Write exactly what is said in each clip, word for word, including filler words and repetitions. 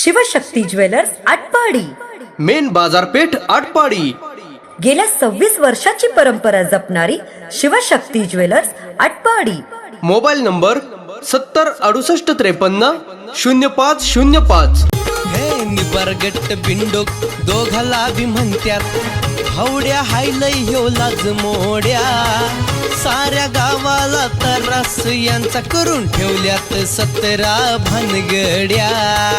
Shivshakti jewellers Atpadi, main बाजारपेठ आटपाडी। गेल्या सव्वीस वर्षाची परंपरा जपणारी Shivshakti jewellers Atpadi. Mobile number सत्तर अडुसष्ट त्रेपन्न शून्य पाच शून्य पाच। हे निबरगट बिंडोक दोघाला बी म्हणत्यात हवड्या हायलय ह्यो लाज मोड्या साऱ्या गावाला तरास यांचा करून ठेवल्यात सतरा भानगड्या।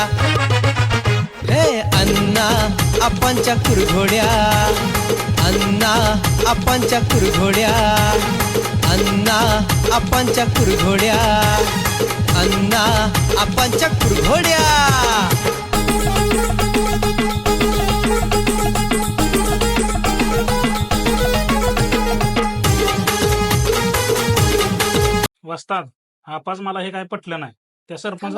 हे अण्णा आपांच्या कुरघोड्या, अण्णा आपांच्या कुरघोड्या, अण्णा आपांच्या कुरघोड्या, अण्णा आपांच्या कुरघोड्या। वस्ताद आपाच मला हे काय पटलं नाही। त्या सरपंच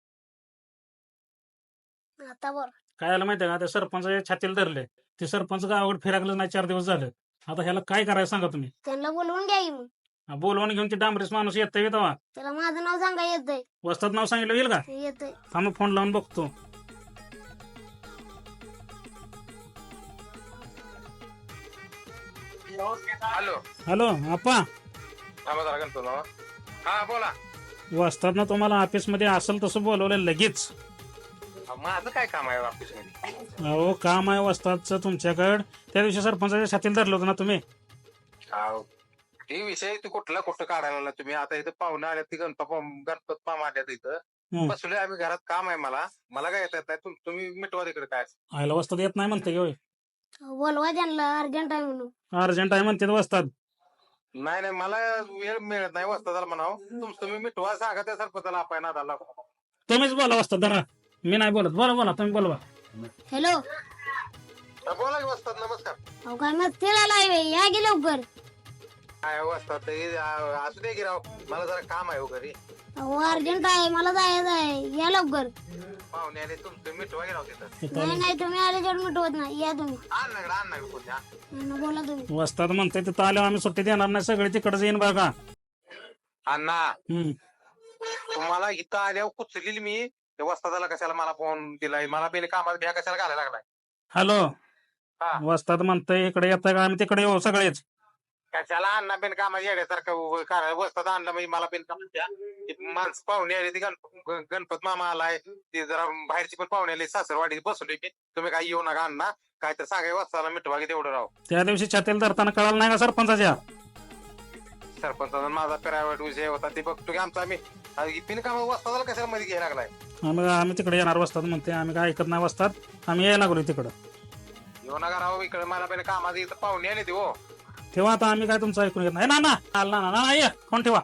आता बर काय आलं माहितीये का, त्या सरपंचाच्या छातीला धरले। ते सरपंच गावाकडे फिरागलं नाही, चार दिवस झाले। आता ह्याला काय करायचं सांगा तुम्ही। त्यांना बोलवून घ्या की मग। हा, बोलवून घेऊन ते डांबरेस माणूस येतोय तेव्हा त्याला माझं नाव सांगा येतंय वस्ताद नाव सांगितलं येईल का? येतंय थांब फोन लावून बघतो। हॅलो हॅलो आपा, थांबा जरा गणपत मामा. हा बोला. वस्ताद ना तुम्हाला ऑफिस मध्ये असेल तसं बोलवलं लगेच। अहो, माझं काय काम आहे ऑफिस मध्ये? अहो काम आहे वस्तादचं तुमच्याकडं। त्या दिवशी सरपंचाच्या छातीला धरलं होतं ना तुम्ही। अहो, हे विषय तू कुठला कुठं काढायला लागला तुम्ही? आता इथं पाहुणे आल्या, ती गणपत गणपत मामा आल्यात इथं. हम्म. बसलोय आम्ही घरात, काम आहे मला. मला काय येत नाही, तुम- तुम्ही मिटवा तिकडे काय. आयला वस्ताद येत नाही म्हणते होय? बोलवा त्यांना अर्जंट आहे म्हणून। अर्जंट आहे म्हणते वस्ताद। नाही नाही, मला वेळ मिळत नाही वस्तादाला म्हणाव. तुम तुम्ही मिटवा, सांगा त्या सरपंचाला आपण नादाला. तुम्हीच बोला वस्ताद, धरा मी नाही बोलत। बोला बोला तुम्ही बोलवा। हॅलो हा, बोला की वस्ताद, नमस्कार. अहो काय मग तिला लावे या गे लवकर। काय वस्ताद, हे, आ, असू दे की राव, मला जरा काम आहे हो घरी. अहो अर्जंट आहे, मला जायचं आहे, या लवकर। पाहुणे आले, तुम तुम्ही मिटवा की राव तिथं. नाही नाही तुम्ही आल्याच्यावर मिटवत नाही, या तुम्ही। आण ना इकडं, आण ना इकडं कोणी, हा. यांना बोला तुम्ही। वस्ताद म्हणते तिथं आल्यावर आम्ही सुट्टी देणार नाही, सगळे तिकडच येईन बघा। अण्णा, हम्म तुम्हाला इथं आल्यावर कुचलेली मी. ते वस्तादाला कशाला मला फोन दिलाय? मला बेले कामात भ्या कशाला घालायला लागलाय? हॅलो, हा. वस्ताद म्हणतंय इकडे येताय का? आम्ही तिकडे येऊ सगळेच। कशाला अण्णा बेन कामात येण्यासारखं काय वस्ताद आणलं म्हणजे मला बेन काम द्या. ती माणसं पाहुणे आली, ती गणप गणपत मामा आलाय, ते जरा बाहेरची पण पाहुणे आली, सासरवाडी बसवली की. तुम्ही काय येऊ नका अण्णा, काय तर सांगाय वस्ताला मिटवा की तेवढं राव. त्या दिवशी छातीला धरताना कळालं नाही का सरपंचाच्या? सरपंचाचा माझा प्रायव्हेट विषय होता, ते बघतो की आमचा आम्ही बिन काम वस्तादाला कशाला मध्ये घ्यायला लागलाय? आम्ही आम्ही तिकडे येणार वस्ताद म्हणते, आम्ही काय ऐकत नाही वस्ताद, आम्ही यायला लागलो तिकडं। येऊ नका राव इकडे, मला बेन कामात इथं पाहुणे आले ते हो. ठेवा आता, आम्ही काय तुमचं ऐकून घेत नाही ना ना ना ना ना ये फोन ठेवा।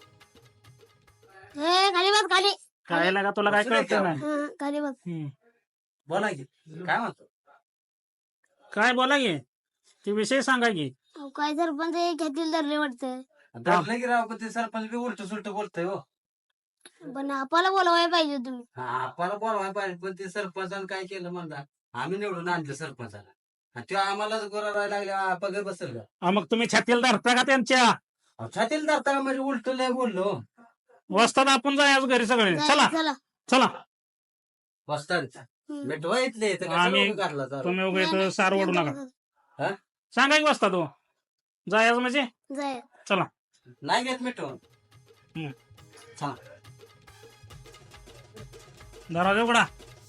ए खाली बस खाली। काय लागा तुला काय कळत नाही? हा, खाली बस। हम्म. बोला की काय म्हणतो? काय बोला की, ते विषय सांगा की। अहो काय सरपंच घेतील धरले वाटतं। धरलं की राव, पण ते सरपंच बी उलट सुलट बोलतोय हो. पण आपल्याला बोलवायला पाहिजे तुम्ही। हा, आपल्याला बोलवायला पाहिजे, पण ते सरपंचानं काय केलं म्हणता, आम्ही निवडून आणलं सरपंचाला, आणि ते आम्हालाच गोरायला लागल्या पगार बसेल का? हा, मग तुम्ही छातीला धरता का त्यांच्या? अहो, छातीला धरता का म्हणजे उलट लय बोललो. वस्ताद आपण जायचं घरी सगळे, चला चला चला। चला। वस्ताद हम्म. मिटवा इथले इथं कशाला आम्ही- उगा काढला जरा? तुम्ही उगा नाही, इथं नाही, सार ओढू नंतर नका। बसा. हा? सांगा की वस्ताद हो, जायचं म्हणजे जाय। चला। नाही घेत मिटवून. हम्म. चला. दरवाजा उघडा।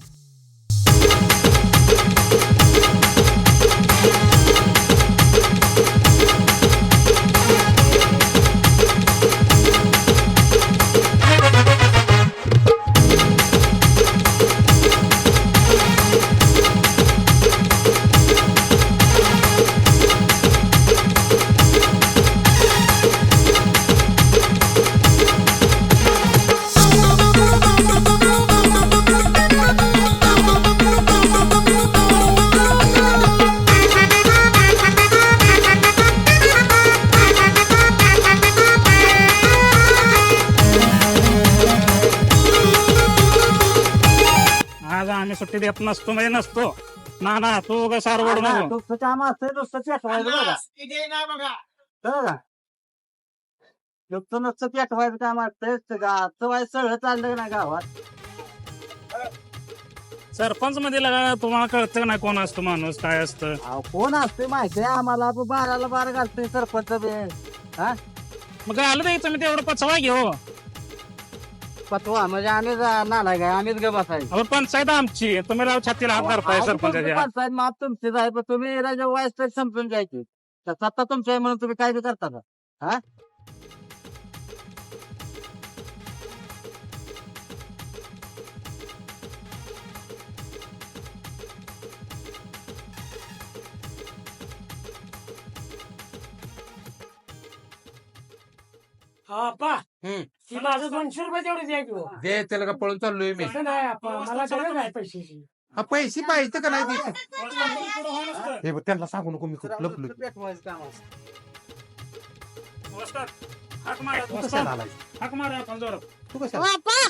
आज आम्ही सुट्टी देत नसतो म्हणजे नसतो ना ना, तू उगा सार ओढू नको। नुसतं काम असतंय, नुसतं पेटवायचं बघा. बघा. नुसतं नुसतं पेटवायचं काम असतंय, गावचं वाय सगळं चाललं ना गावात. सरपंच मध्ये लगा तुम्हाला कळतं का नाही कोण असतं माणूस काय असतं? अहो, कोण असते माहिती आहे आम्हाला आपण बाराला बारा घालतोय सरपंच बी. हा मग काय आलं नाही तुम्ही तेवढं पचवा घेऊ. पतवा म्हणजे आम्ही नाला काय आम्हीच ग बसायचं. अहो, पंचायत आमची तुम्ही राव छातीला हात धरताय सरपंचाच्या. पंचायत माप तुमचीच आहे पण तुम्ही राजा वाईस तर संपून जायची तर सत्ता तुमची आहे म्हणून तुम्ही काय बी करता का? हा हम्म. माझं दोनशे रुपये तेवढे द्यायचे दे त्याला का पळून चाललोय मी. नाही आपण मला गरज आहे पैशाची. हा, पैसे पाहिजे का नाही ते? नमस्कार. हे बघ, त्यांना सांगू नको मी खूप लपलो. हाक मारा तू कशाला आलाय? हाक मारा आपण जोरात. तू कशाला बाप्पा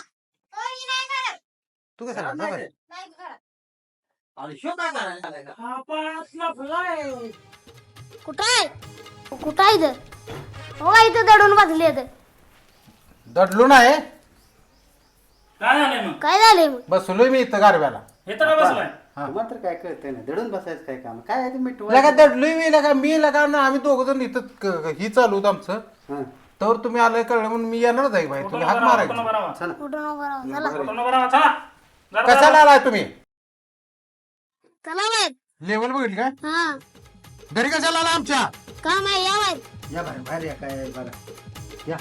तू कशाला आला? बरं. आणि शो काय करायला का? आपण असला फुलाय. कुठं आहे कुठं आहे इथं? हो का इथं दडून बसले इथं. दडलो नाही, काय झालंय मग? काय झालंय मग? बसलोय मी इथं गारव्याला. हे तर का बसलाय? मात्र काय कळतंय ना दडून बसायचं काय काम काय आहे ते मिठू लगा दडलोय मी लगा मी लगा ना आम्ही दोघ जण इथं क- ही चालू होतं आमचं. तर तुम्ही आलाय कळलं म्हणून मी येणारच आहे भाई. तुम्ही हात मारायचं. कुठं नको राहू. चला कशाला आलाय तुम्ही? चला बाहेर. लेवल बघितली काय? हा घरी कशाला आला आमच्या? काम आहे या बाहेर. या बाहेर बाहेर या काय बघा. या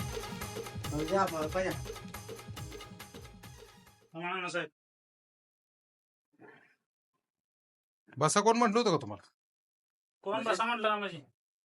साहेब बसा कोण म्हटलं होतं का तुम्हाला? कोण बसा म्हटलं ना म्हणजे?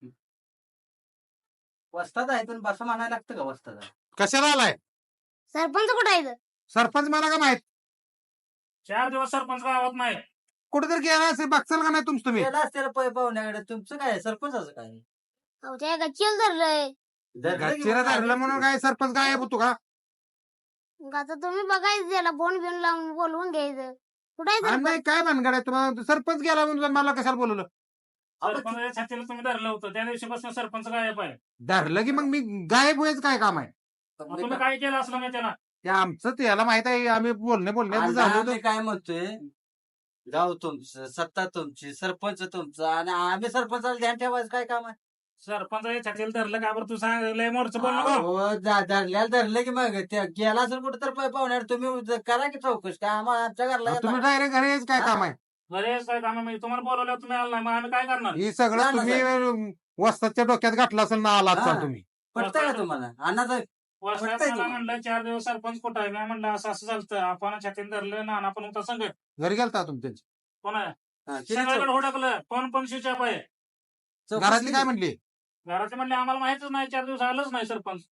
वस्ताद आहे पण बसा म्हणायला लागतं का वस्ताद? कशाला आलाय? सरपंच कुठं आहे इथं? सरपंच मला का माहित? चार दिवस सरपंच गावात नाही. कुठेतरी गेला असेल बघचाल का नाही तुमचं तुम्ही? त्याला असते पै पाहुण्याकडे तुमचं काय सरपंचाचं काय? अहो त्या गच्चीला धरलंय. गच्चीला धरलं म्हणून काय सरपंच काय होतो का? मग आता तुम्ही बघायचं त्याला फोन बिन लावून बोलवून घ्यायचं. कुठं आहे आणि सरपंच? नाही काय भानगड आहे तुम्हाला? सरपंच गेला म्हणून मला कशाला बोलवलं? सरपंच छातीला तुम्ही धरलं होतं त्या दिवशीपासून सरपंच गायब आहे. धरलं की मग मी गायब व्हायचं काय काम आहे? मग तुम्ही काय केलं असलं नाही त्याला? ते आमचं त्याला माहित आहे आम्ही बोलणे बोलण्यात आणि झालो आम्ही होतो. काय म्हणतोय गाव तुमचं सत्ता तुमची सरपंच तुमचा आणि आम्ही सरपंचाला ध्यान ठेवायचं काय काम आहे? सरपंच छातीला धरलं का बरं? तू सांग लय मोरचं बोल नको. अहो, जा- धरल्याला धरलं की मग ते गेला असेल कुठं तर पाहुण्यावर तुम्ही ज- करा की चौकशी काय आम्हाला आमच्या घरला मग येता. तुम्ही डायरेक्ट घरी यायचं काय काम आहे? अरे काय काम आहे? म्हणजे तुम्हाला बोलवलं तुम्ही आला नाही मग आम्ही काय करणार? हे सगळं नाही, तुम्ही वस्तादच्या डोक्यात घातलं असेल ना आलात हा. चाल तुम्ही. पटतंय का तुम्हाला अण्णाचं वर्षात पटतंय मला तुम्हाला? म्हणलं चार दिवस सरपंच कुठं आहे? मी म्हणलं असं असं चालतं. आपण छातीला धरलं ना आपण होता संघ घरी गेलता तुम्ही कोण आहे? हा, किती सगळीकडे हुडकलं कोण पण शिचाप आहे. चौकशी घरातली काय म्हणली? घराचे म्हणले आम्हाला माहितच नाही चार दिवस आलंच नाही सरपंच.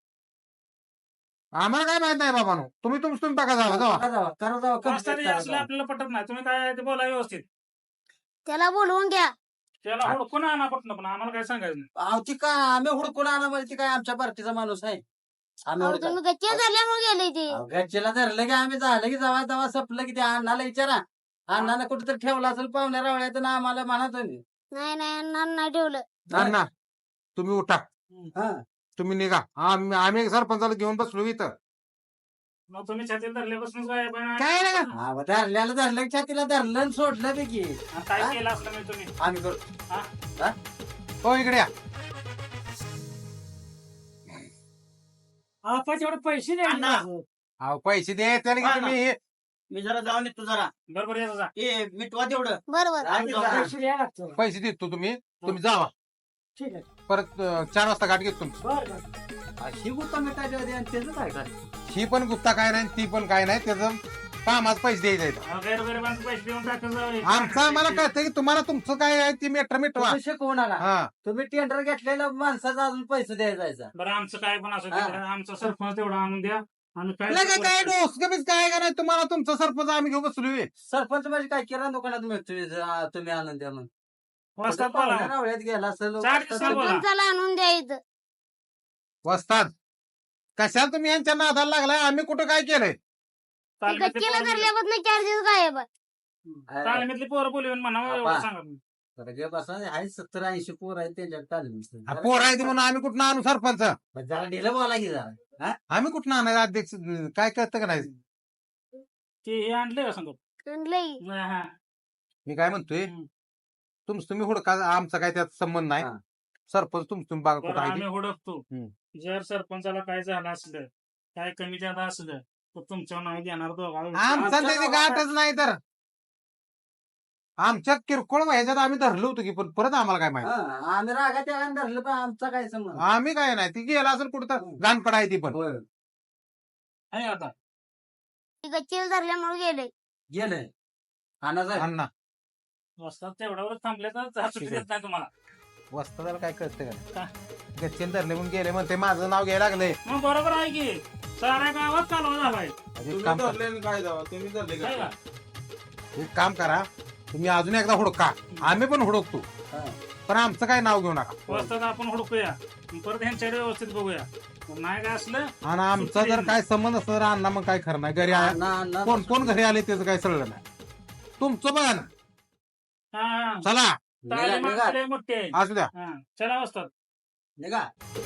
आम्हाला काय माहित नाही बाबा. तुम्ही तुमचं तुम्ही बघा जावा जावा. करा जावा, करा जावा, complete रस्त्याने करा असले जावा. आपल्याला पटत नाही. तुम्ही काय आहे ते बोला व्यवस्थित. त्याला बोलवून घ्या. त्याला हुडकून आणा पटणं पण आम्हाला काय सांगायचं नाही. अहो, ती काय आम्ही हुडकून आणा म्हणजे ती काय आमच्या पार्टीचा माणूस आहे आम्ही अहो हुडका- तुम्ही गच्चीला धरल्यामुळे गेले ते. अहो, घरच्याला धरलं की आम्ही झालं की जावा जावा संपलं की त्या अण्णाला विचारा अण्णाला कुठेतरी ठेवला असेल पाहुण्या रावळ्यात ना आम्हाला म्हणा तुम्ही. नाही नाही अण्णा नाही ठेवलं. अण्णा तुम्ही उठा, हा. तुम्ही निघा. आम्ही आम्ही सरपंचाला घेऊन बसलो इथं. मग तुम्ही छातीला धरल्यापासून काय पण काय नाही का? हा, मग धरल्याला धरलं की छातीला धरलं आणि सोडलं बी की काय हा? केलं असलं मी तुम्ही? आम्ही करतो. हो इकडे या. आपण तेवढे पैसे द्या. अहो पैसे दे त्याला की तुम्ही हे- मी जरा जाऊन येतो जरा बरोबर येतो जा. ए मिटवा तेवढं बरोबर. आम्ही जाऊ. पैसे द्यायला लागतो. पैसे देतो तुम्ही तुम्ही जावा. ठीक आहे. परत अं, चार वाजता गाठ घेतो तुमची. बरं बरं. अशी गुत्ता मिटायची होती आणि त्याचं काय काय ही पण गुप्ता काय नाही ती पण काय नाही. त्याचं कामाच पैसे द्यायचे आहेत. अहो, गैरगरिबांचे पैसे देऊन टाकायचं. आमचं आम्हाला कळतं की तुम्हाला तुमचं काय आहे ती मेट्र मिटवा. तुम्ही शिकवून आला हा तुम्ही टेंडर घेतलेल्या माणसाचा अजून पैसे द्यायचा जायचा. बरं आमचं काय पण असं हा. आमचं सरपंच तेवढं आणून द्या आणि काय लगे काय डोसकं काय का नाही तुम्हाला तुमचा सरपंच आम्ही घेऊ बसलोय. सरपंच म्हणजे काय किराणा दुकानात मिळतोय जा, तुम्ही आणून द्या म्हणून वस्ताद पाहुण्या बोला. रावळ्यात गेला असेल चार दिवसाला बोला. सरपंचाला आणून द्या इथं. वस्ताद कशाला तुम्ही यांच्या नादाला लागलाय? आम्ही कुठं काय केलंय? ते तालमीतली गच्चीला पोरं- धरल्यापासून चार दिवस गायब आहे. तालमीतली पोरं बोलवून म्हणा बाबा. एवढं सांगा तुम्ही. आहे सत्तर ऐंशी पोर आहेत त्यांच्या हा, पोर आहे ते म्हणून आम्ही कुठं आणू सरपंच? जरा ढिलं बोला की जरा आम्ही कुठं आणायचं अध्यक्ष? काय कळतं का नाही? ते हे आणले का सांगतो लई हा. मी काय म्हणतोय हम्म. तुमचं तुम्ही हुडका आमचा काय त्यात संबंध नाही हा. सरपंच तुमचं तुम्ही बघा बरं, कुठं आहे आम्ही ते. हुडकतो हम्म. जर सरपंचाला काय झालं असलं काय कमी जादा असलं तर तुमच्या नाव घेणार दोघा आमचा त्याची गाठच नाही तर आमच्या किरकोळ ह्याच्यात आम्ही धरलो होतो की पण परत आम्हाला काय माहिती हा, आम्ही रागा त्या धरलं पण आमचा काय संबंध आम्ही काय नाही ती गेला असेल कुठं तर गाणपड आहे ती पण होय. आहे आता ती गच्चीला धरल्यामुळे गेले गेलंय अण्णा अण्णा वस्तात तेवढ्यावर थांबले तर चहा सुट्टी ठीक आहे. देत नाही तुम्हाला वस्तादाला काय कळतं का? का गच्चीला धरले म्हणून गेले म्हणते माझं नाव घ्यायला लागलंय मग बरोबर आहे की साऱ्या गावात कालवा झालाय एक काम करा आहे का? एक काम करा तुम्ही अजून एकदा हुडका आम्ही पण हुडकतो हा. पण आमचं काय नाव घेऊ नका वस्तात आपण हुडकूया परत ह्यांच्याकडे व्यवस्थित बघूया नाही काय असलं आणि आमचा जर काय संबंध असला तर अण्णा मग काय खरं नाही घरी आ- अण्णा अण्णा कोण कोण घरी आले त्याचं काय सळलं नाही तुमचं पण हा, हा. चला निघा, ताली निघा. माणसं लय मोठी आहे असू द्या हा, चला वस्तात निघा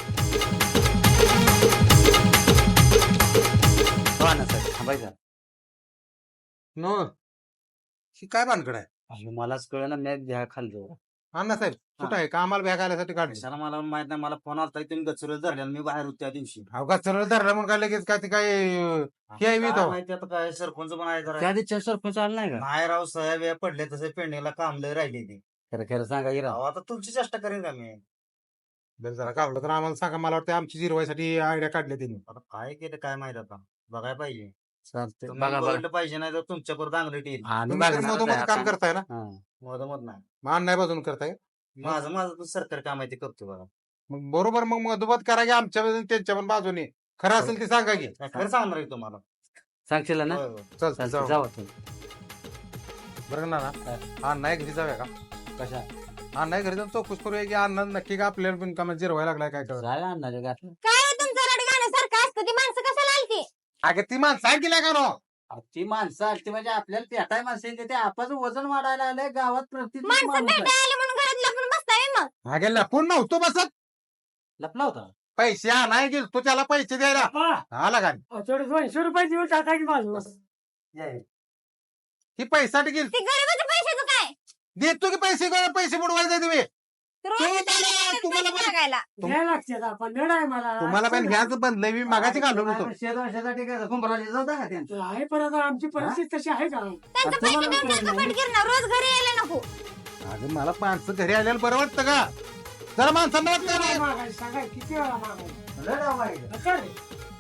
हो ना सर थांबायचं नो ही काय भानगड आहे अहो, मलाच कळ ना मी घ्या खाल्लो अण्णा साहेब कुठं आहे कामाला बॅग आल्यासाठी काढली कशाला मला माहित नाही मला फोन आलता तुम्ही गचुरत धरल्या मी बाहेर होतो त्या दिवशी अवघात सरळ धरलं मग काय लगेच काय ते काय अं, हे आहे काय इथं. माहिती आता काय सरपंच पण आहे जरा त्या दिवशी सरपंच आला नाही का नाही राव साहेब हे पडले तसे पेंडिंगला काम लय राहिले ते खरं खरं सांगा की राव आता तुमची चेष्टा करेन का मी बरं जरा काढलं तर आम्हाला सांगा मला वाटतं आमची जिरवायसाठी आयडिया काढली त्यांनी आता काय केलं काय माहित आता बघायला पाहिजे चालतंय तुम्ही बघा बघा बघितलं पाहिजे नाही तर तुमच्या परत अंगलट येईल तुम्ही तर मधोमध काम करताय ना मधमत नाही मग अन्याय बाजून करताय माझं माझं तर सरकारी काम आहे ते करतो बघा मग बरोबर मग मधोमध करा की आमच्या बाजूने त्यांच्या पण बाजूने खरं असेल ते सांगा की काय खरं सांगणार आहे तुम्हाला सांगशील ना होय, होय. चालतं जाऊ जाऊ तुम्ही. बरं ना ना अण्णा घरी जाऊया का कशा अण्णा घरी जाऊन चौकशी करूया की अण्णा नक्की का आपल्याला पण कामात जिरवायला लागलाय काय कळत जाय आणणार घातलं काय हो तुमचं रडगाण्यासारखं असतं ती माणसं कशाला आलती अगं ती माणसं सांगितल्या का नो ती माणसं आलती म्हणजे आपल्याला पेटाय माणसं येते ते आपाचं वजन वाढायला आलंय गावात प्रत्येक माणसं माणूस आहे. भेटायला आले म्हणून घरात लपून बसताय मग अगे लपून नव्हतो बसत लपला होता पैसे आणाय गेलो तो त्याला पैसे द्यायला आला का थोडे दोनशे रुपये देऊन टाका की माझं ही पैसाठी गेली ते गरीबाच्या पैशाचं काय देतो की पैसे गोळा पैसे बुडवायला जाय तुम्ही रोज तुम्ही त्याला त्याला- तुम्हाला पैसे पण- मागायला घ्यायला लागते आपण नेड आहे मला तुम्हाला पण ह्याच बंदलय मी मागाची घालून होतो शेजारसाठी काय कुंभराला जाता का त्यांचं आहे पण आता आमची परिस्थिती तशी आहे का त्यांचं पैसे देऊन टाका पटकीर ना रोज घरी यायला नको अगं मला माणसं घरी आल्याला बरं वाटतं का जरा माणसांना वाटतं काय नाही. मागायचं सांगा किती वेळा मागायचं लय डाव माहिती. काय रे?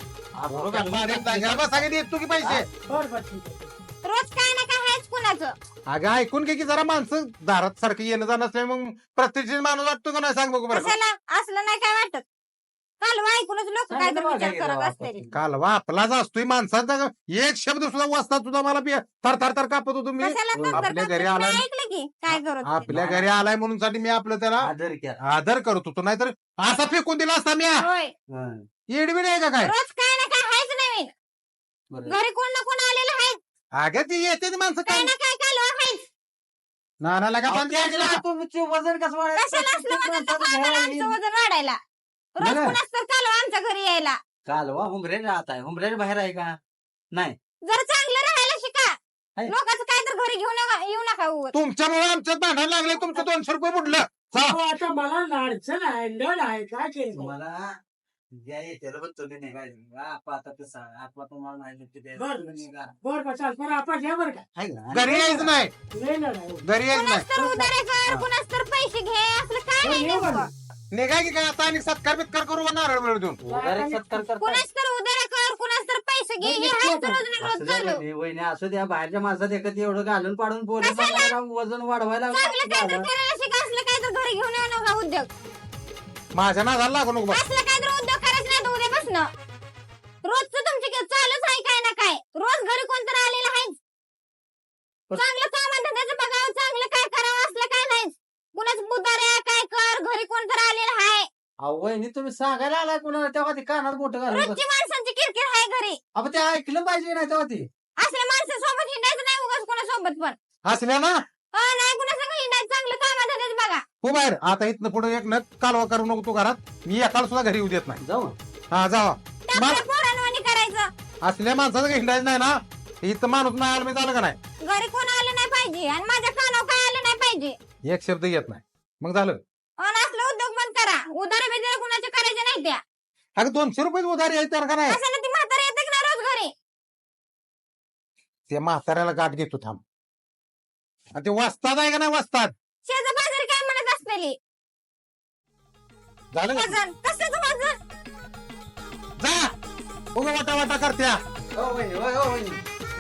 बरोबर, माझ्या जागेला बसा की देतो की पैसे बरं बरं ठीक आहे रोज काय ना काय आहेच कुणाचं अगं ऐकून घे की जरा माणसं दारात सारखं येणं जाणं असल्या मग प्रत्येक माणूस वाटतो का नाही सांग बघू बरं कशाला असलं नाही काय वाटत काल ऐकूनच लोक काय तर विचार करत असते कालवा आपलाच असतोय माणसाचा एक शब्द सुद्धा वाचता सुद्धा मला बी थर थर थर कापत होतो मी कशाला तर आपल्या करतात? घरी आला नाही ऐकलं की काय करत होते? आपल्या घरी आलाय म्हणून साठी मी आपलं त्याला आदर घ्या. आदर करत होतो नाहीतर असा फेकून दिला असता मी होय हं. येडबीड आहे का काय रोज काय ना काय आहेच नवीन बरं. घरी कोण ना कोण आलेलं आहे अगं ती येते ती माणसं काय काय ना काय कालवा आहेच नानाला का अहो, बंद त्याच्याला केलं? तुमचं वजन कसं वाढायचं? कशाला असलं प्रत्येक वजन तर माणसाचं वाढायला, घ्यायला आमचं येईल. वजन वाढायला रोज बरं. कुणाच तर कालवा आमच्या घरी यायला कालवा हुंबरे राहत आहे हुंबरे बाहेर आहे का नाही जर चांगलं राहायला शिका आहे. लोकांचं काय तर घरी घेऊ नका येऊ नका उगाच. तुमच्यामुळे आमच्यात भांडण लागले तुमचं दोनशे रुपये बुडलं जा. हो, आता मला अडचण आहे लढ आहे काय केलं तुम्हाला ज्या येत्याला पण तुम्ही निघायचं आपा आता तसा आपा तुम्हाला नाही लिफ्ट द्यायचं. बरं. तुम्ही निघा. बर का चाल पण आपण घ्या बरं का आहे का? घरी यायचं नाही लय लढ आहे घरी यायचं कुणाच नाही तर उधारे कर कुणाच तर पैसे घे असलं काय नाही हो, नेमकं. बरं. निघाय की काय आता आणि सत्कार बित्कार करू का नारळ वेळ देऊन उधारी सत्कार करताय. कुणाच तर उधारे कर कुणाच तर पैसे घे हे बरं, आहेच बरं. रोज ना रोज असू द्या चालू वहिनी, वहिनी असू द्या बाहेरच्या माणसात एकत्र एवढं घालून पाडून बोलत कशाला? बसायला वजन वाढवायला चांगलं काय तर झालं. करायला शिका असलं काय तर घरी घेऊन येऊ नका उद्योग माझ्या नादाला लागू नको बा. असलं काय तर उद्योग करायचं नाही तर उद्यापासनं रोजचं तुमची काय चालूच आहे काय ना काय रोज घरी कोणतर आलेलं आहे चांगलं कामात धंद्याचं बघावं चांगलं काय करावं असलं काय नाही कुणाच बुधाऱ्या काय कर घरी कोणतर आलेलं आहे अहो वहिनी तुम्ही सांगायला आलाय कुणाला तेव्हा ते कानात मोठं घालून बस. रोजची माणसांची किरकिर आहे घरी अहो ते ऐकलं पाहिजे नाही तेव्हा ते असल्या माणसासोबत हिंडायचं नाही उगाच कोणासोबत पण हसल्या ना हो नाही कुणासंग हिंडायचं चांगलं कामात धंद्याचं बघा हो बाहेर आता इथनं पुढे एक नक कालवा करू नको तू घरात मी एकाला सुद्धा घरी येऊ देत नाही जाऊ हा जावा त्या आपल्या पोरांवानी करायचं असल्या माणसाचं काही हिंडायचं नाही ना इथं माणूस नाही आला मी झालं का नाही घरी कोण आलं नाही पाहिजे आणि माझ्या कानावर काय आलं नाही पाहिजे. एक शब्द येत नाही मग झालं. आणि असलं उद्योग बंद करा. उधार बिधार कुणाचे करायचे नाही त्या. अरे दोनशे रुपये उधारी आहे तर का नाही. असं ती म्हातारी येते ना रोज घरी. त्या म्हाताऱ्याला गाठ घेतो थांब. आणि ते वाचतात आहे का नाही वाचतात. शेजा बाजारी काय म्हणत असलेली झालं का? वजन कशाचं वजन. जा उगा वाटा वाटा करत्या. हो वहिनी, होय, हो वहिनी.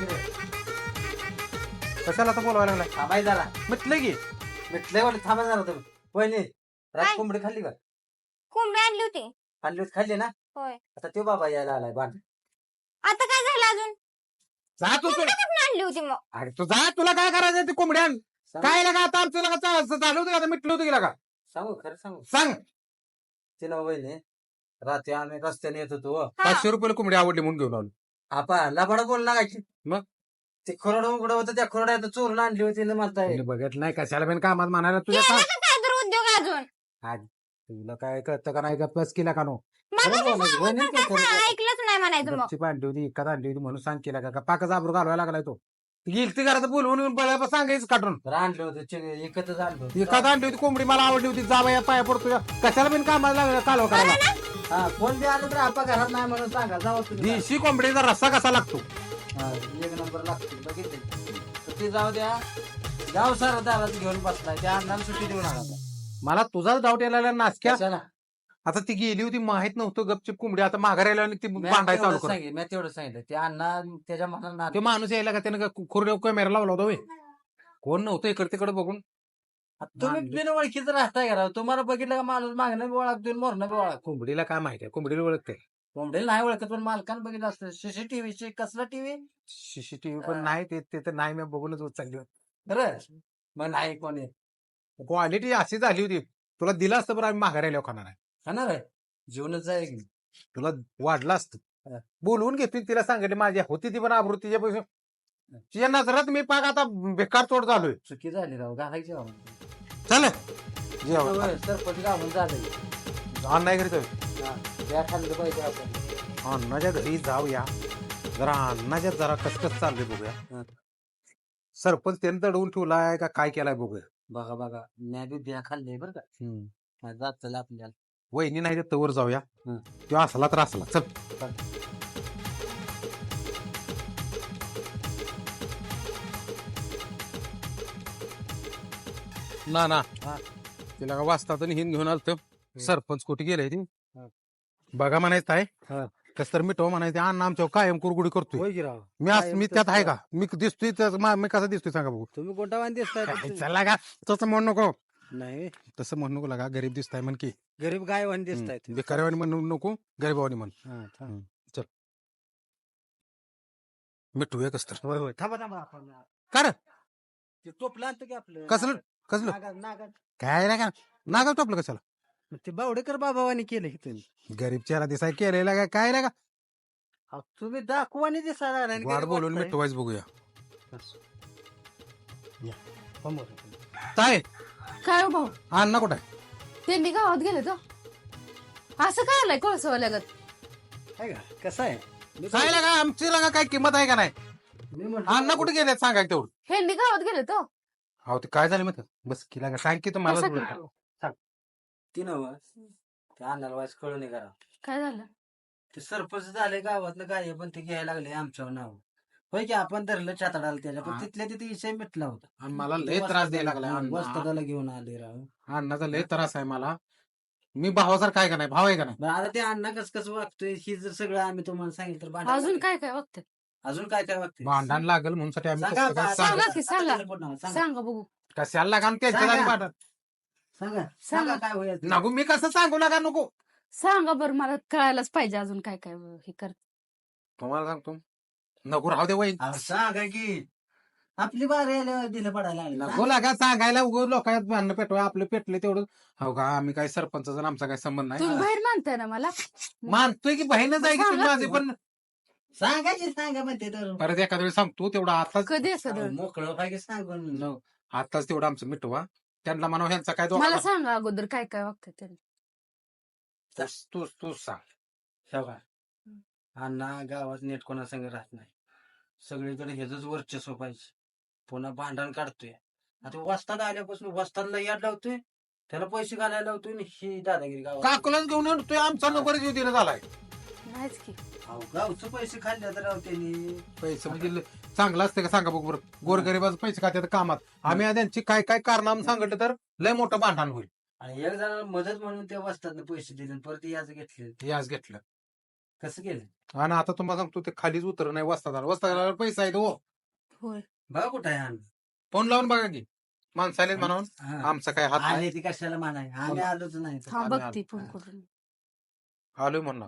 कशाला आता बोलवायला लागला. थांबाय जरा म्हटलं की मिटलंय वाटलं, थांबा जरा तुम्ही. वहिनी रात काय? कोंबडी खाल्ली का? कोंबडी आणली होती. खाल्ली होती, खाल्ली ना. होय. आता तो बाबा यायला आलाय बांध. आता काय झालं अजून. जा तू. कोंबडी कुठून आणली होती मग. अरे तू जा तुला काय करायचं ते कोंबड्यान. काय लागा आता आमचं लागा चा- चालू होतं का मिटलं होतं की लागा. सांगू खरं सांगू सांग. ते ना वहिनी रात्री आम्ही रस्त्याने येत होतो. हो. हा. पाचशे रुपये कोंबडी आवडली म्हणून घेऊन आलो. आपा लबाडा बोल लागायची. मग? ते खरोड उघडं होतं त्या खरोड्यात चोरून आणली होती ना म्हणताय. तिने बघत नाही कशाला पण कामात म्हणायला तुझ्या केलं सांग. का काय तर उद्योग अजून. तुला काय कळतं का नाही का प्लस केला का नो. मग खरं ते बोलायचं, सांगून वहिनी पण काय कसं खरं ऐकलंच नाही म्हणायचं मग. गपचीप आणली होती इकत आणली होती म्हणून सांग केला का पाकच आबरू घालवायला लागलाय तो. गेल ती घरात बोलवून येऊन बघायला सांगायचं काढून. बरं आणलं होतं चिंग- एकच आणलं होतं. एखादा आणली होती कोंबडी मला आवडली होती जा बाया पाया पडतो कशाला पण कामाला लागला कालवा करायला. हा कोण बी आलं तर आपा घरात नाही म्हणून सांगा जाऊ तुम्ही. देशी कोंबडीचा रस्सा कसा लागतो. हा, एक नंबर लागतो बघितले तर ते जाऊ द्या. जाऊ सर दारात घेऊन बसलाय त्या अण्णाला सुट्टी देऊन आला आता. मला तुझाच डाऊट यायला नासक्या. कशाला? आता ती गेली होती माहित नव्हतं गपचिप कोंबडी आता माघार यायला ती मी भांडाय चालू तेवढं कर. सांगितलं मी तेवढं सांगितलं ते अण्णा त्याच्या मनाला ते माणूस यायला का त्यानं खुर्ड्या कॅमेरा लावला होता होय. कोण नव्हतं इकडे तिकडे बघून. तुम्ही बिन ओळखीच राहताय का राव? तुम्हाला बघितलं का माणूस मागणं बी ओळख देऊन मोरणं बी ओळख. कोंबडीला काय माहिती आहे कोंबडीला ओळखते. कोंबडीला नाही ओळखत पण मालकानं बघितलं असतं. सीसीटीव्ही कसला टीव्ही सीसीटीव्ही पण नाही ते ते तर नाही मी बघूनच उचलली होती. खरं मग नाही कोणी क्वालिटी अशी झाली होती तुला दिलं असतं बरं आम्ही माघार यायला खाणार आहे. खाणार आहे जीवनच आहे की. तुला वाढलं असतं बोलवून घेतली तिला सांगितले माझी होती ती पण आबरू तिच्या पैसे तिच्या नजरात मी पाक आता बेकार तोड झालोय. चुकी झाली राव घालायची राव. चल जेवण होय, सरपंच गावून झालं. अण्णा घरी जाऊ. हा, त्या खाल्लं पाहिजे आपण. अण्णाच्या घरी जाऊया जरा अण्णाच्या जरा कसकस चाललंय हा. बघूया. सरपंच त्याने दडवून ठेवलाय का काय केलाय बघूया. बघा बघा मी बी बिया खाल्ले बरं का जात चला आपल्याला. वहिनी नाही तर तवर जाऊया हं. तो असला तर असला चल. ना ना हा. तिला का वाचता तर हिंद घेऊन आलत सरपंच कुठे गेले ती हा. बघा म्हणायचं आहे हा. कस तर मिठव म्हणायचं अण्णा आमच्या कायम कुरगुडी करतोय. होय की राव मी आज कायम मी त्यात आहे करतोय. का मी दिसतोय त्यात मा- मी कसा दिसतोय सांगा बघू. तुम्ही कोणता वाण दिसताय काय तुम्ही? चला का तसं म्हणू नको नाही तसं म्हणू नको लागा गरीब दिसताय म्हण की गरीब गाय वाण दिसताय तुम्ही. बेकारीवाणी म्हणू नको गरीबावानी म्हण. हा, थांब. मिठू आहे कस तर होय होय थांबा थांबा आपण कर ते टोपलं आणतो की आपलं कसलं कसलं नागात नागात काय नाही का नागा टोपलं कशाला. मग ते बावडेकर बाबावानी केलं की तुम्ही. गरीब चेहरा दिसाय केलेला काय काय नाही का अहो, तुम्ही दाखवानी दिसायला लागलाय आणि वाढ गरीब बोलून वाटताय. मिठू वाईज बघूया. समोर. काय काय हो भाऊ अण्णा कुठं आहे. त्यांनी गावात गेले तो असं काय आलंय कोळसवाल्यागत. आहे का कसं आहे मी काय लागा आमची लागा काय किंमत आहे का नाही. मी म्हणतो- अण्णा कुठे गेले सांगा की तेवढं. ह्यांनी गावात गेले तो अहो ते काय झालं मग बस की लागा सांग की तुम्हाला कसं- ती नव त्या अन्नाला वाईस कळू नये करा. काय झालं ते सरपंच झाले गावातलं काय पण ते घ्यायला लागले आमच्यावर नाव. होय की आपण धरलं चातडाला त्याच्या पण हा. तिथल्या तिथे विषय मिटला होता. आणि मला लय त्रास द्यायला लागलाय अण्णा. वस्तादाला घेऊन आले राव. अण्णाचा लय त्रास आहे मला. मी भावासारखा आहे का नाही भाव आहे का नाही. बरं, आता ते अण्णा कस कसं वागतोय ही जर सगळं आम्ही तुम्हाला सांगितलं तर भांडण अजून लागेल. काय काय बघते अजून काय काय वागतंय भांडण लागल म्हणून साठी आम्ही सांगा कसं काय आता- सांगू. सांगा की, सांगा. आता कोण नाव? सांगा सांगा बघू कशाला लागा आणि त्याच्या सांगा. जागी भांडण सांगा सांगा. सांगा काय होईल ते. नको मी कसं सांगू लागा नको. सांगा बरं मला कळायलाच पाहिजे अजून काय काय हे कर. तुम्हाला सांगतो नको राहू दे वहीन. अहो, सांगा की आपली बारी आल्यावर दिलं पडायला लागलं. नको लागा सांगायला उगं लोकांत भांडणं पेटवा आपले पेटले तेवढं. हो का आम्ही काय सरपंचाचा आणि आमचा काय संबंध तुम्ही नाही. बाहेर मानताय ना मला मानतोय की बहीणच आहे की तुम्ही सांगा. माझी पण सांगायची सांगा म्हणते तर परत एखाद्या वेळी सांगतो तेवढं आताच कधी असं अहो, मोकळं पाहिजे सांगून न- आताच तेवढं आमचं मिटवा. त्यांना म्हणा ह्यांचा काय मला दोघांना- सांगा अगोदर काय काय वागतंय त्यांनी. तूच तूच तूच सांग. शेवगा अण्णा गावात नेट कोणा संग राहत नाही. सगळीकडे ह्याच वर्चस्व पाहिजे. पुन्हा भांडण काढतोय. आता वस्ताद आल्यापासून वस्तादला याद लावतोय, त्याला पैसे घालायला लावतोय आणि ही दादागिरी गावात. काकुलाच घेऊन येतोय आमचा नंबर जीव दिला झालाय. नाहीच की. अहो, गावचं पैसे खाल्ले तर राव त्यांनी. पैसे म्हणजे ल- चांगलं असते का सांगा बघ बरं. गोरगरिबाचं पैसे खात्यात कामात आम्ही त्यांची काय काय कारनाम सांगितलं तर लय मोठं भांडण होईल. आणि एक जणाला मदत म्हणून त्या वस्तादनं पैसे दिले आणि परत याच घेतले. हे आज घेतलं कसं केलं? आणि आता तुम्हाला सांगतो ते खालीच उतर नाही वस्तादाला वस्तादाला पैसा आहे हो. होय. बघा कुठं आहे आम्ही. फोन लावून बघा की माणसाले म्हणून हा. आमचा काय हात नाही. आले ती कशाला म्हणाय, आम्ही आलोच नाही तर. हा आम्ही बघती आलो. फोन करून. आलोय म्हणणार.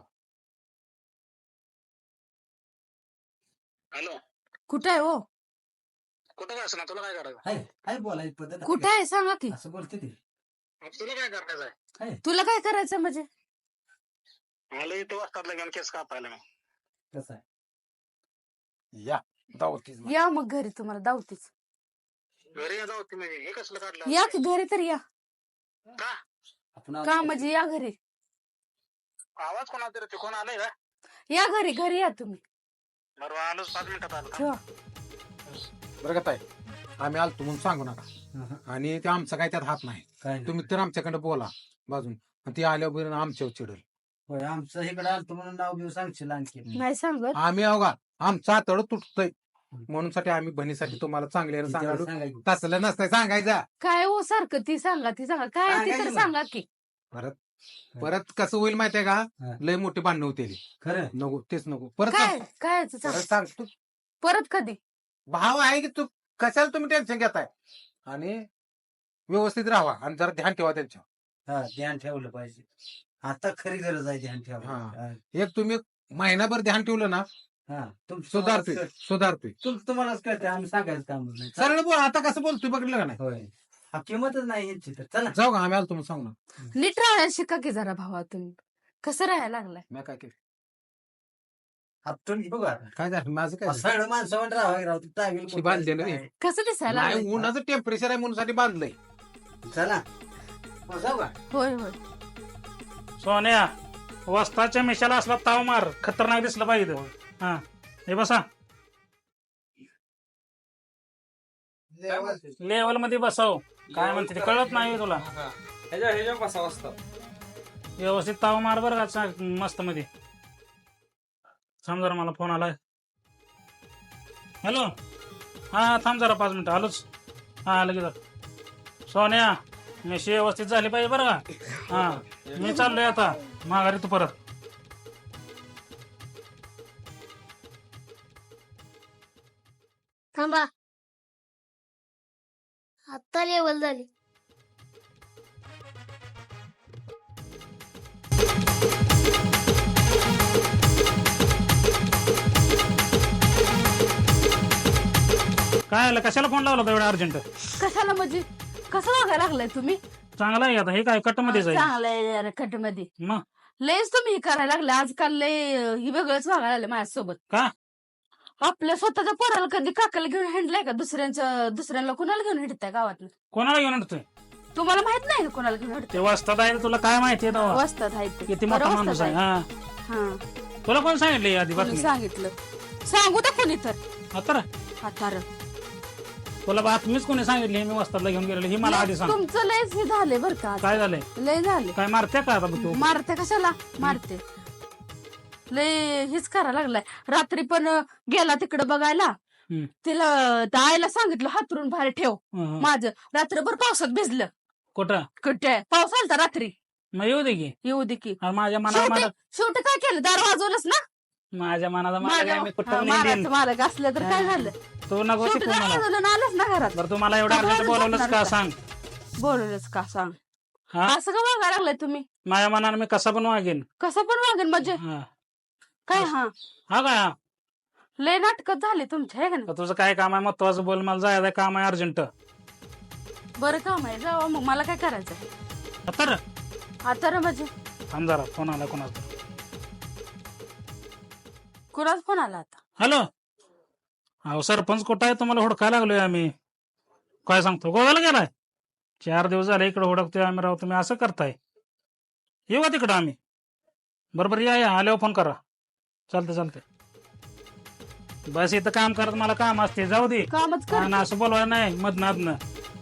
हॅलो, कुठं आहे हो? कुठं काय तुला काय करायचं? हाय हाय बोलायची पद्धत आहे कुठं का? आहे सांगा की. असं बोलते ती. तुला काय करायचंय? तुला काय करायचं म्हणजे? मला इथं वाजतातला घेऊन केस कापायला मी. कसं आहे? या दावतीच या मग घरी, तुम्हाला दावतीच. घरी जाऊ ती म्हणजे हे कसलं काढलं? या की घरी तर या. का? आपण का म्हणजे या घरी. आवाज कोणा तरी ते कोण आलंय का? या घरी, घरी या तुम्ही. बरोबर आलोच, पाच मिनिटात आलो. ठेवा. बरं का ताई, आम्ही आलतो म्हणून सांगू नका. हा. आणि ते आमचा काय त्यात हात नाही. काय नाही. तुम्ही तर आमच्याकडे बोला बाजून. आणि ते आल्यावर आमच्यावर चिडल. होय, आमचं इकडे आलतो म्हणून नाव बिव सांगशील आणखी. नाही सांगत. आम्ही अवघा आमचा तळ तुटतोय म्हणून साठी आम्ही बहिणीसाठी तुम्हाला चांगले सांगायला सांगायचं. तसलं नसतंय सांगायचं. काय हो सारखं ती सांगा, ती सांगा. काय आहे ती तर सांगायचं सांगा की. परत परत कसं होईल माहितीये का? हा. लय मोठी भांडणं होते. खरं नको तेच नको परत काय सांग. काय आहे ते सांग. परत सांग तू परत कधी? भाव आहे की तू कशाला तुम्ही टेन्शन घेताय. आणि व्यवस्थित राहा आणि जरा ध्यान ठेवा त्यांच्यावर. हा, ध्यान ठेवलं पाहिजे. आता खरी गरज आहे ध्यान ठेवायला. हा. हा. एक तुम्ही महिनाभर ध्यान ठेवलं ना हा, तुम- सुधारतोय तुम्हालाच सुधारतोय. कळ- तुम- तुम्हालाच कळते, आम्ही सांगायचं काम नाही. सरळ बोल आता कसं बोलतोय बघितलं का नाही. होय, हा, किंमतच नाही यांची तर. चला जाऊ का आम्ही आलो तुम्ही सांगू ना. नीट राहायला शिका की जरा भावा तुम्ही. कसं राहायला लागलाय? मी काय केलं आपटून घेऊ का आता? काय झालं माझं काय झालं? सगळं माणसं म्हणत राहावं राव, ती टावेल शी बांधलेलं कुठं आहे. आहे. कसं दिसायला लागलंय? नाही उन्हाचं टेम्परेचर आहे म्हणून साठी बांधलंय. चला मग जाऊ का? होय होय. सोन्या, वस्ताच्या मिशाला असला ताव मार, खतरनाक दिसलं पाहिजे. हा, हे बसा लेवल मध्ये बसाव. काय म्हणते ते कळत नाही तुला. व्यवस्थित ताव मार बरं का, चा- मस्त मध्ये. थांब जरा, मला फोन आलाय. हॅलो, हा थांब जरा पाच मिनिटं आलोच. हा लगेच. सोन्या, मेशी व्यवस्थित झाली पाहिजे बरं का. हा, मी चाललोय आता माघारी, तू परत. थांबा, आता लेवल झाली. काय आलं, कशाला फोन लावला होता एवढा अर्जंट? कशाला म्हणजे? कसं वागायला लागलाय तुम्ही? चांगला आहे आता, हे काय कट मध्ये जाईल चांगलंय कट मध्ये. मग. लयच तुम्ही हे करायला लागले आजकाल. लय अं, ही वेगळंच वागायला लागले माझ्यासोबत. का? आपल्या स्वतःच्या पोराला कधी काकाला घेऊन हिंडलाय का? दुसऱ्यांच्या दुसऱ्यांना कुणाला घेऊन हिंडताय गावातलं? कोणाला घेऊन येतोय? तुम्हाला माहित नाही का कोणाला घेऊन ते हिंडतोय? वाजतात आहे, तुला काय माहितीये तेव्हा? वस्तात आहेत ते. किती मोठा बरं माणूस वस्तात आहे. आहेत. हा, हा, तुला कोण सांगितलं आधी कोणी बातमी? सांगितलं? सांगू तर कोणी तर. आता आता तुला बातमीच कोणी सांगितली मी वस्तादला घेऊन गेलेलो ही मला आधी सांग. तुमचं लयच हे झाले बरं का. काय झालंय? लय झाले. काय मारते का आता तू? मारते कशाला? मारते. लय हेच करायला लागलाय. रात्री पण अं, गेला तिकडे बघायला. हम्म. तिला त्या आईला सांगितलं हातरून बाहेर ठेव. हं. माझं रात्रभर पावसात भिजलं. कुठं? कुठे? पाऊस आलता रात्री. मग येऊ दे की. येऊ दे की. अरे माझ्या मनाला शेवटी मला शेवटी काय केलं? दार वाजवलंच ना. माझ्या मनाला मला माझ्या- काय, मी हा, कुठं नेईन. मारायचं मालक असलं तर काय झालं? तू नको शेवटी शिकू दार मला. वाजवलं ना आलंच ना घरात. बरं तू मला एवढं अर्जंट घरात बोलवलंच का बसणार सांग. बोलवलंच का सांग. हा, असं का वागायला लागलाय तुम्ही? माझ्या मनानं मी कसा पण वागेन. कसं पण वागेल म्हणजे? हा, काय? हा, हा काय हा? लय नाटकं झाले तुमच्या हे का नाही? तर तुझं काय काम आहे महत्वाचं बोल, मला जायचं काम आहे अर्जंट. बरं काम आहे, जावा मग. मला काय करायचं? तर आता रे म्हणजे थांब जरा, फोन आला कोणाचा. कुणाच फोन आला आता? हॅलो, अहो सरपंच कुठं आहे? तुम्हाला हुडकायला लागलोय आम्ही. काय सांगतो, गोव्याला गेलाय? चार दिवस झाले इकडे हुडकतोय आम्ही राव. तुम्ही असं करताय? येऊ का तिकडं आम्ही? बरोबर या, या आल्यावर फोन करा. चालतंय चालतंय. बस इथं काम करत मला काम असते जाऊ दे कामच कर आणि असं बोलवायला नाही मधनातनं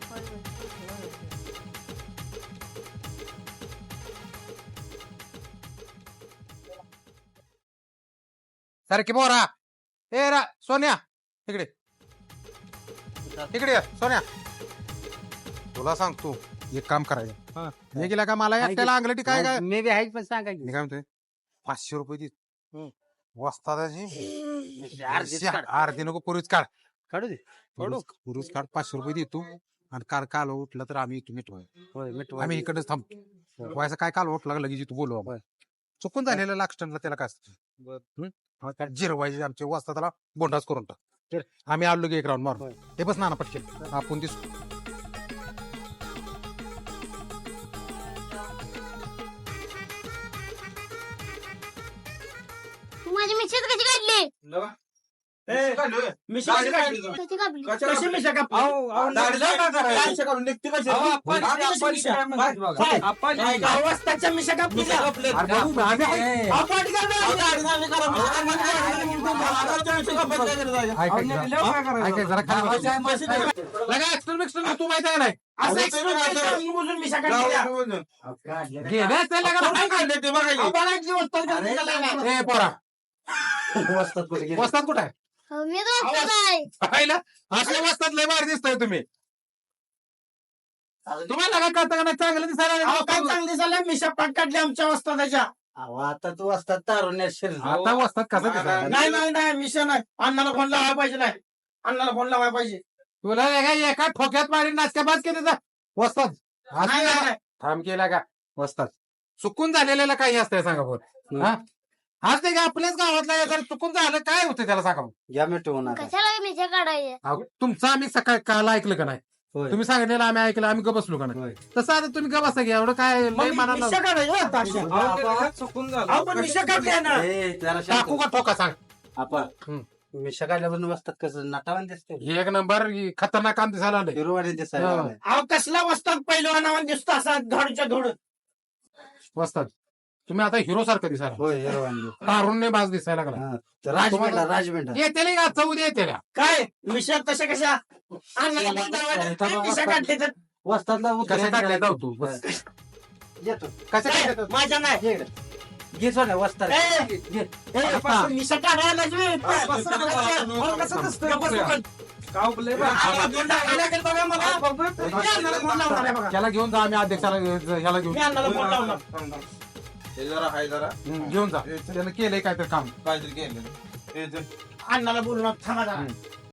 सारखी बोरा ए रा सोन्या इकडे इकडे ये, सोन्या तुला सांगतो एक काम करायचं हे गेला का मला एकट्याला अंगलटी काय काय मे बी आहे पण सांगा की मी काय म्हणतोय पाचशे रुपये दे वस्तादाची अर्धीच काढ. अर्धी नको पुरीच काढ काढू दे पुरुष पुरुष काढ पाचशे रुपये देतो आणि काल काल उठलं तर आम्ही इथून मिटवाय होय मिठू आम्ही इकडेच थांबतो व्हायचं काय काल उठला लगेच तू बोलू आपण चुकून झालेलं लागस्टनला त्याला काय असतं जिरवायचे आमचे वाजता त्याला बोंडाच करून टाक आम्ही आलो की एक राऊंड मारून हे बस नाना पटकेल आपण दिसतो तू माझी मिसेस कशी काढली कशी काढली कशी मिशा कापली? अवस्थाच्या मिशा कापली का? तू माहिती आहे नाही असं experiment बुजून मिशा काढली का? ए पोरा वस्तात कुठे आहे मी दोस्त आहे पाहिलं असल्या वस्तात लय भारी दिसताय तुम्ही तुम्हाला काय कळतं का नाही चांगलं दिसायला अहो, काय चांगली दिसायला मिशा पाट काढली आमच्या वस्तादाच्या. आता तू असतात तारुण्या शरीर आता वस्तात कसं दिसायला नाही नाही नाही मिशा नाही अण्णाला फोन लावायला पाहिजे नाही अण्णाला फोन लावायला पाहिजे तुला नाही का एका ठोक्यात मारीन नाचक्या बाद केली जा वस्तात नाही नाही नाही. थांब केला का वस्तात चुकून झालेल्याला काही असतंय सांगा बोल हा आज ते का आपल्याच गावातला जर चुकून झालं काय होतं त्याला सांगा भाऊ. या मिठवून आता कशाला मिशा काढायचे अहो, तुमचं आम्ही सकाळी काल ऐकलं का नाही होय. तुम्ही सांगितलेलं आम्ही ऐकलं आम्ही ग बसलो का नाही होय. तसं आता तुम्ही ग बसा घ्या एवढं काय लय मग मनाला मिशा काढायची हो आता अशी. अहो, पण मिशा काढली ना ए, जरा शांत टाकू का ठोका सांग हो. आपण हम्म. मिशा काढल्यापासून बसतात कसं नटावान दिसते एक नंबर खतरनाक काम दिसायला आलंय हिरोवाणी दिसायला हा. लागलाय. अहो कसला वस्तात पहिलवानावर दिसतो असा धडच्या धड वस्तात तुम्ही आता हिरो सारखं दिसायला होय हिरोवाणी तारुण्य बाज दिसायला लागला हा. तर राजमेंढा राजमेंढा येते का चौद येते का काय मिशा तशा कशा अण्णाला फोन लावायला काय मिशा काढली तर वस्तातला कशा काढल्या जाऊ तू बस. येतो कशा काय? काढल्या माझ्या नाही ये इकडे. घे सोन्या वस्तात ए, घे. ए, पासून मिशा काढायला लागली. अहो, कसं दिसतंय? अण्णाला फोन लावायला लागेल बघा मला. मी अण्णाला फोन लावणार आहे बघा. त्याला घेऊन जा आम्ही अध्यक्षाला घे- ह्याला घेऊन मी अण्णाला फोन लावणार हम्म, घेऊन जा त्यानं केलंय काय तर काम अण्णाला बोलणार थांबा जरा.